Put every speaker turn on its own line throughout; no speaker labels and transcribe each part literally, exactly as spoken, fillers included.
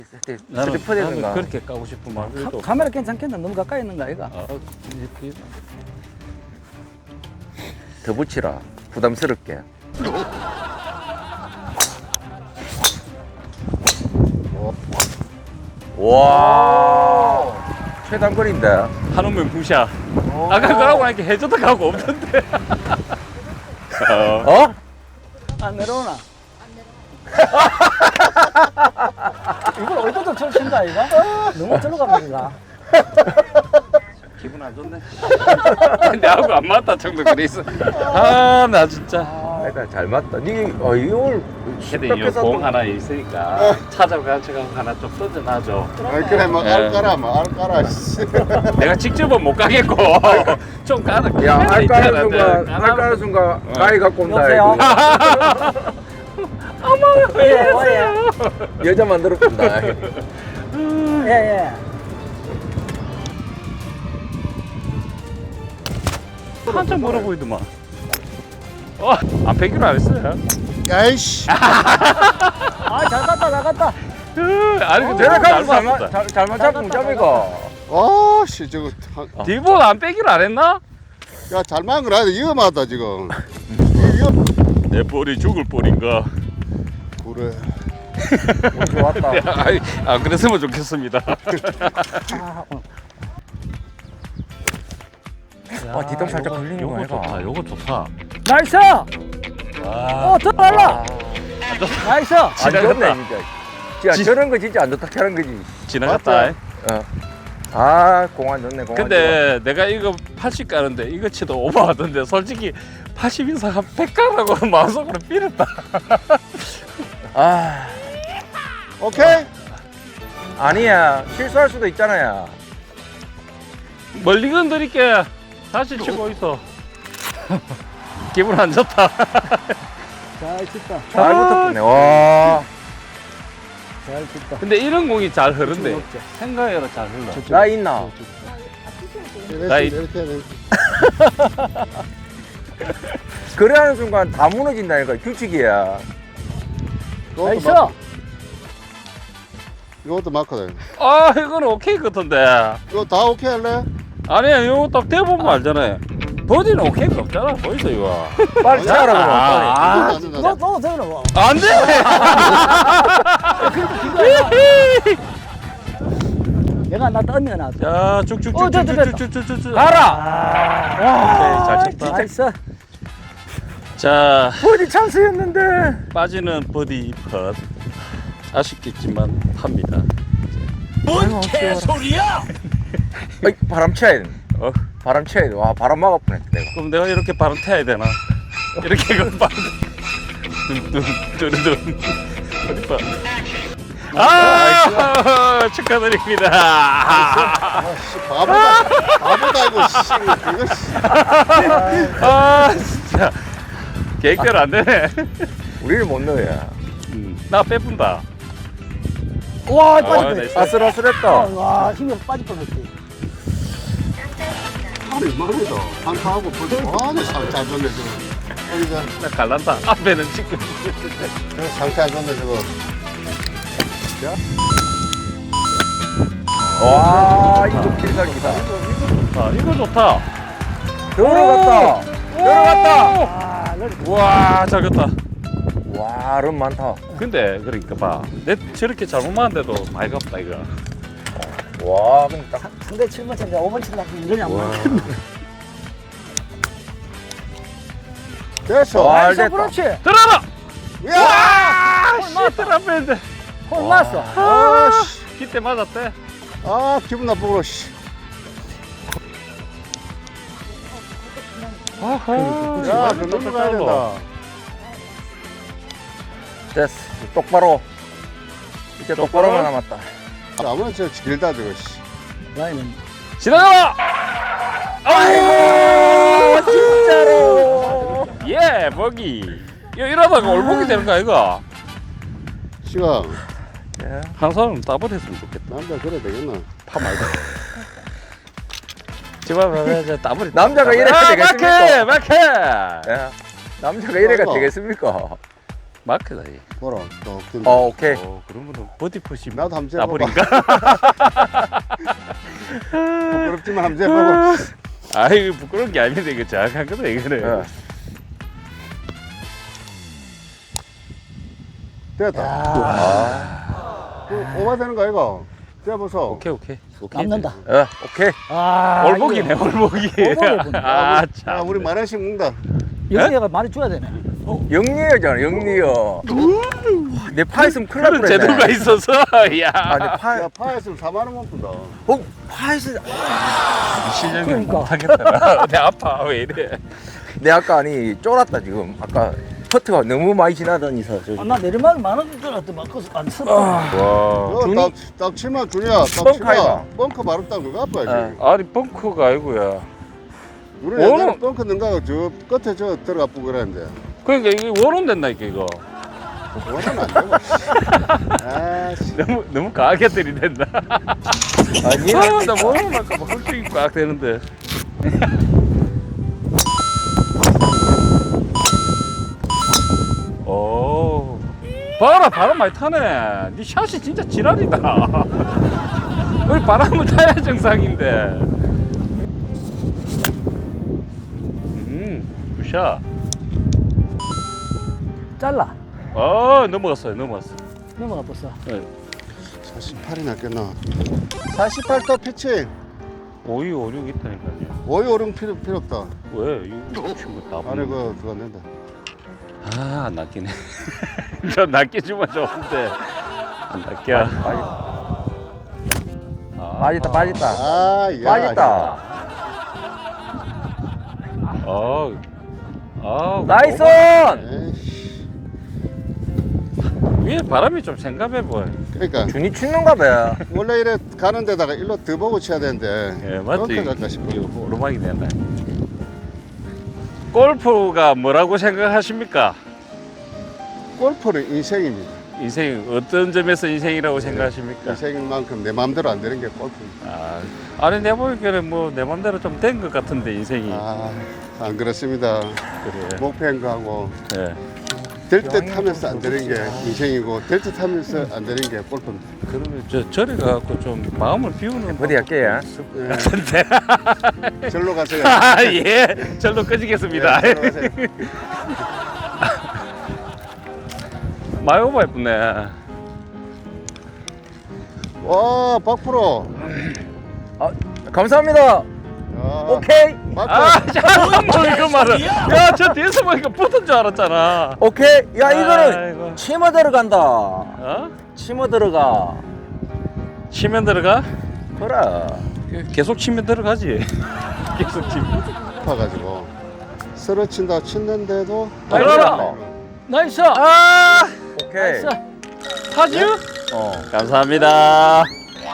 나는,
스리퍼
나는
되는가?
그렇게 까고 싶은 마음이
카, 카메라 괜찮겠나? 너무 가까이 있는 거 아이가?
아, 이렇게
더 붙이라. 부담스럽게. 와, 최단거리인데.
한우면 부샤. 아까 그러고 나니까 해저도 가고 없던데. 어.
어?
안 내려오나? 이걸 어디다 저를 친거 아이가? 너무 절로 가는가?
기분 안 좋네. 내하고 안 맞다 정도 그래 있어. 아, 나 진짜.
그러니까 잘 맞다. 니, 어, 이걸
근데 이공 하나 있으니까 찾아가지고 하나 좀 던져놔줘.
아이 그래 뭐
예.
알까라 뭐 알까라 씨.
내가 직접은 못 가겠고 좀 가라.
야, 알까는
있잖아,
순간,
내가
알까는 순간, 가위 갖고 온다.
여보세요?
이거.
예, 어, 예.
여자 만들어 본다.
예, 예.
한참 멀어 보이더만. 어, 안 빼기로 안 했어요.
야이씨
아, 잘 갔다, 잘 갔다.
으, 아니 근데
내가
잘
가면 잘,
맞았다.
맞- 잘, 잘 맞았고, 무자비가.
아씨 저거 한-
뒷볼 안 빼기로 안 했나?
야 잘만 그래 위험하다 지금 위험
내 볼이 죽을 볼인가?
그래
운 좋았다.
아이, 안 그랬으면 좋겠습니다.
아, 어.
아, 뒷땅 살짝 걸리는 거
요거
아이가?
좋다. 요거 좋다.
나이스!
와.
어, 더 빨라! 나이스!
안 좋네,
지나갔다.
진짜. 진짜
지-
저런 거 진짜 안 좋다 하는 거지.
지나갔다.
맞죠?
어. 아, 공안 좋네, 공안
근데 내가 이거 팔십 가는데 이거 치도 오버하던데 솔직히 팔십 이상 한 백 가라고 마음속으로 삐렸다.
좋아. 아,
오케이
아니야. 실수할 수도 있잖아요.
멀리 건드릴게. 다시 치고 있어. 기분 안 좋다.
잘 쳤다.
잘 붙었네. 와.
잘 쳤다.
근데 이런 공이 잘 흐른대.
없지.
생각외로 잘 흘러.
나 있나?
나 이-
이렇게 이렇게
그래 하는 순간 다 무너진다니까. 규칙이야.
이것도
나이스!
막- 이것도 맞거든
아, 이거는 오케이 같던데.
이거 다 오케이 할래?
아니야, 이거 딱 대보면 알잖아요. 버디는 오케이가 없잖아. 보이소, 이거.
빨리 차라 그러면. 빨리.
아,
너, 너, 되나 뭐.
안 돼!
내가 나 떴네, 나.
자, 쭉쭉쭉.
어, 됐다, 됐다.
쭉쭉쭉쭉쭉.
가라.
오케이, 잘 쳤다.
나이스.
자,
버디 찬스였는데.
빠지는 버디 펫. 아쉽겠지만 팝니다.
어이, 바람 쳐야 돼.
어,
바람 쳐야 돼. 와, 바람 막아 보냈다, 내가.
그럼 내가 이렇게 바람 타야 되나? 이렇게 그 바람. 둥둥, 뚜루둥. 어디 봐. 아, 축하드립니다.
아씨 바보다 바보다 이거 씨 이거 씨.
아, 진짜. 계획대로 안 되네.
우리를 못 넣어야.
음, 나 빼분다.
와,
아,
빠졌다.
나이스.
아슬아슬했다.
와, 힘이 빠질 뻔했지.
하루 말이다 한타하고 벌써 아니 상태 안 좋네 저거 여기가
나 갈란다. 앞에는 지금.
상태 안 좋네 저거
와, 이거 필살기다.
아, 이거 좋다.
들어갔다. 들어갔다.
아, 너
와, 잘 갔다.
와, 름 많다.
근데 그러니까 봐. 내 저렇게 잘못 맞는데도 많이 갔다 이거.
와, 근데 딱.
상대 칠 번 쳤는데 오 번 치려고 이러냐, 안
와.
맞겠네.
됐어
와,
나이스,
됐다.
그렇지.
들어라.
야
아, 씨, 들어갔는데.
홀 맞어.
아씨
기대 맞았대.
아 기분 나쁘고 씨
아하.
야, 그 넘어가야 된다.
됐어. 똑바로. 이제 똑바로만 남았다.
아무나 저 길다 저거 씨.
라인은.
지나가.
아이고, 진짜로.
예, 버기. 이거 이러다가 올복이 되는 거 아이가?
시간
한 사람 따버렸으면 좋겠다.
남자 그래 되겠나?
파 말고. 제발, 따버리.
남자가 이래야
아,
되겠습니까?
막해, 막해.
예. 남자가 이래가
아이고.
되겠습니까?
마크다 이.
보라. 또 근데
어 오케이.
어, 그러면은 버디 푸시
나도 한번 재봐봐.
나버린가?
부끄럽지만 한번 재봐봐.
아이 부끄러운 게 아닌데 이거 정확한 거다 이거는.
예.
됐다.
아,
그 오바 되는 거 아이가? 재보소.
오케이 오케이. 오케이.
남는다.
예, 오케이.
아,
올복이네 올복이.
올복이네.
아
자,
참.
우리 만 원씩 먹는다.
영희가 많이 줘야 되네.
영리여잖아, 영리여. 내 파 있으면 큰일 날
그런
뻔했네.
제도가 있어서 야.
아, 내 파,
야, 파였으면 사만 원만 푼다.
어, 파 있으면.
실력이
그러니까.
못하겠다. 내 아파 왜 이래?
내 아까 아니 쫄았다 지금. 아까 퍼트가 너무 많이 지나다니서. 저기.
아, 나 내리막 많은 줄 알았더니 막 그래서 안 썼다.
와.
너
준이?
딱, 딱 치마 주냐? 딱
뻥카
치마.
이가.
뻥카 바로 딱 그거 아파야지.
어.
아니 벙커가 아니고야.
우리 옛날에
오늘-
뻥카 넣는가 저 끝에 저 들어가 뿌고 그랬는데.
그러니까 이게 원혼 된다니까 이거.
그거는 안 되고. 아, 씨.
너무 너무 강하게 들이댄다.
아니,
아, 나 원혼 아까 막 헐쭉이 꽉 되는데. 오. 봐라 바람 많이 타네. 네 샷이 진짜 지랄이다. 우리 바람을 타야 정상인데. 음, 굿샷.
잘라.
어 넘어갔어요 넘어갔어.
넘어가 봤어.
네.
사십팔이 낫겠나? 사십팔 도 피칭.
오이 오륙 있다니까요.
오이 오름 필요, 필요 없다.
왜 이거 친구 다
안에 그, 그거 낸다.
아안 낚이네. 저 낚여주면 좋은데 안 낚여. 아,
빠졌다, 빠졌다.
아, 야.
빠졌다.
아, 아,
나이스!
에이씨.
위에 바람이 좀 생각해 보여.
그러니까
준이 치는가 봐.
원래 이래 가는 데다가 일로 더 보고 쳐야 되는데.
예, 맞지.
그렇게 갈까 싶어.
이거 오르막이 된다. 골프가 뭐라고 생각하십니까?
골프는 인생입니다.
인생 어떤 점에서 인생이라고 생각하십니까?
인생인 만큼 내 마음대로 안 되는 게 골프입니다.
아, 아니 내 보기에는 뭐 내 맘대로 좀 된 것 같은데 인생이.
아, 안 그렇습니다.
그래.
목표인 거하고
예.
될 듯 하면서 안 되는 게 인생이고 될 듯 하면서 안 되는 게 골프입니다.
그러면 저 절에 가갖고 좀 마음을 비우는
어디 할게요?
예,
같은데.
절로 가세요.
아, 예. 절로 끄지겠습니다.
예, 절로 가세요.
많이 오버 예쁘네.
와, 박프로.
아, 감사합니다.
아,
오케이.
맞죠?
아, 자, 뭐 이거 말은. 야, 저 뒤에서 보니까 붙은 줄 알았잖아.
오케이. 야, 이거는
아이고.
치마 들어간다.
어?
치마 들어가.
치면 들어가?
그래.
계속 치면 들어가지. 계속 치면.
아파가지고 쓰러친다 치는데도
들어라.
나이스.
아,
오케이.
나이스.
파주?
어.
감사합니다.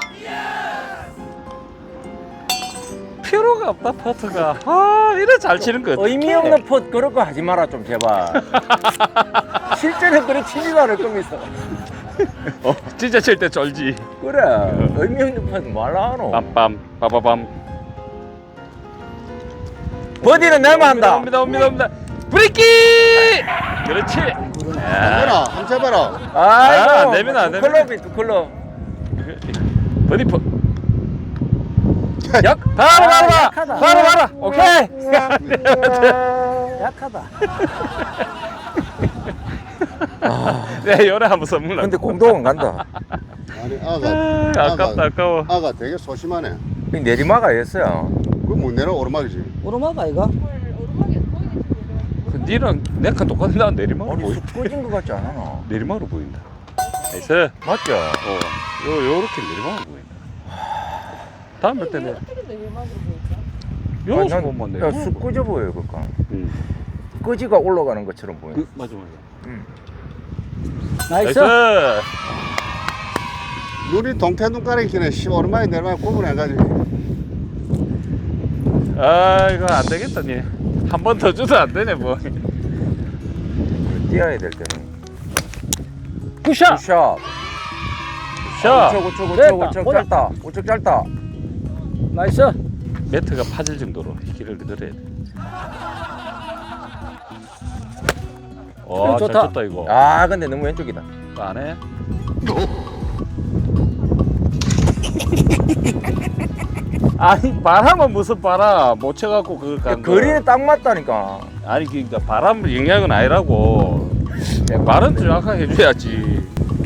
필요가 없다, 퍼트가. 아, 이래 잘 치는 거 어떡해.
의미 없는 폿 그런 거 하지 마라 좀 제발. 실제로 그래 치지도 않을 거면서.
어, 진짜 칠 때 쫄지.
그래. 의미 없는 폿 말라 하노.
빰빰, 빠바밤.
버디는 내만 한다.
옵니다, 옵니다, 옵니다. 브레이키! 그렇지.
해라 한번 해봐라.
아이고.
아, 안 됩니다, 안
두
됩니다.
클럽이 두 클럽.
버디 퍼. 약, 바로, 바로, 바로,
약하다.
바로, 바로. 오케이.
약하다.
네, 요래 한번 선물.
근데 공동은 간다.
아니 아가
아, 아깝다, 아까워.
아가 되게 소심하네.
이 내리막아 했어요.
그거 못 내려 오르막이지.
오르막 아이가?
그 니랑 내가 똑같은 나 내리막으로
아니
보이.
쑥 꺼진 것 같지 않아?
내리막으로 보인다. 나이스.
맞죠?
어, 요 요렇게 내리막으로 보인다. 다음 몇 때는 요렇게 보면 돼.
야쑥 꺼져 보여 그거.
응.
꺼지가 올라가는 것처럼 보여.
그, 맞아, 맞아.
응.
나이스.
나이스.
눈이 동태 눈가리 키네. 씨 오르막에 내리막에 구분해가지고.
아, 이거 안 되겠다, 니. 한 번 더 줘도 안 되네, 뭐.
뛰어야 될 때는.
굿샷.
샷.
샷.
우측 우측 우측
됐다.
우측
보자.
짧다. 우측 짧다.
나이스.
매트가 파질 정도로 길을 늘어야 돼. 와, 잘
좋다.
쳤다 이거.
아 근데 너무 왼쪽이다.
안 해? 아니 바람은 무슨 바람 못 쳐갖고 그걸 간 거.
거리는 딱 맞다니까.
아니 그러니까 바람 영향은 아니라고. 말은 정확하게 해줘야지.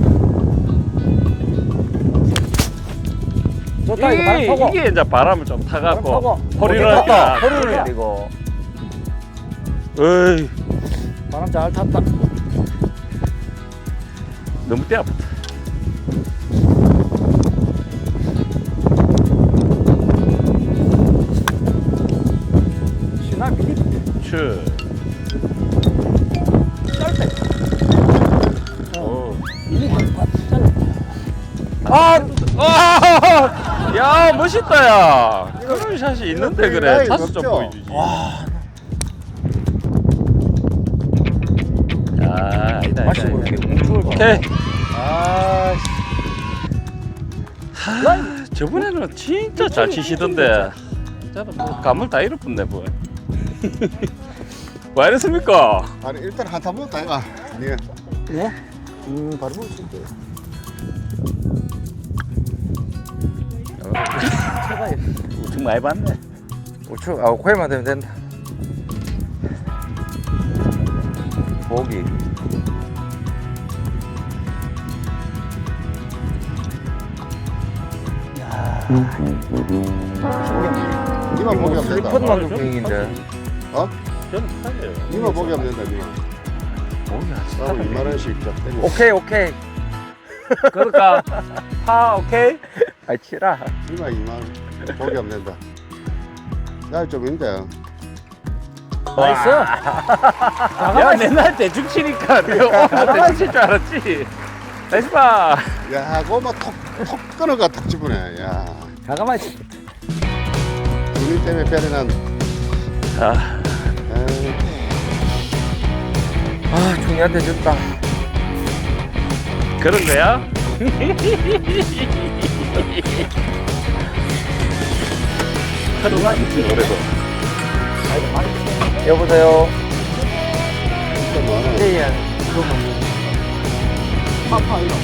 좋다 이거 바람
이게,
타고.
이게 이제 바람을 좀 타갖고
바람 타고.
허리를
탔다.
하니까.
허리를 내리고.
에이
바람 잘 탔다.
너무 떼 아프다.
신나 미리
추.
짧대.
어.
미리 짧대.
아, 아, 야 멋있다 야. 그런 샷이 있는데 그래.
아이,
타수 좀
높죠?
보여주지. 아, 아니다,
맛이
아니다,
모르게
아니다.
뭉쳐올 거.
오케이.
아,
하, 저번에는 진짜 잘 치시던데. 진짜로 뭐 감을 다 잃어버렸네 뭐. 왜 이랬습니까?
아니 일단 한타 먹었다 이가. 네.
예?
음 바로 먹을 수 있대.
제가
우승 많이 봤네.
우측 아 코에만 되면 된다. 보기.
니만 보기 하면 된다.
슬리퍼만 좀 분위기인데.
어?
저는 사요.
니만 보기 하면 된다. 니만.
보기 하지.
나도 이만 원씩 쫙 떼고.
오케이 오케이.
그럴까? 파 오케이.
아 치라.
니만 이만 원 보기 하면 된다. 나좀 있는데.
나이스.
야 맨날 대충 치니까 내가 오늘 대충 칠 줄 알았지. 나이스 파.
야, 그거만 톡톡 끊어가 탁 집으네. 야,
가가마이 치.
눈이 때문에 별이 난.
아,
에이,
아 종이한테 줬다.
그런 거야? 하루가 있지 그래도.
여보세요.
진짜 많아.
예예.
파파 이거.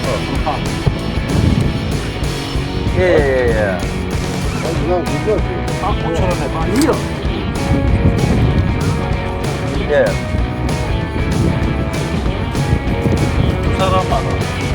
예예예.
아, 그냥 그거지.
아, 오천 원에 반 이요.
예.
두 사람 많아.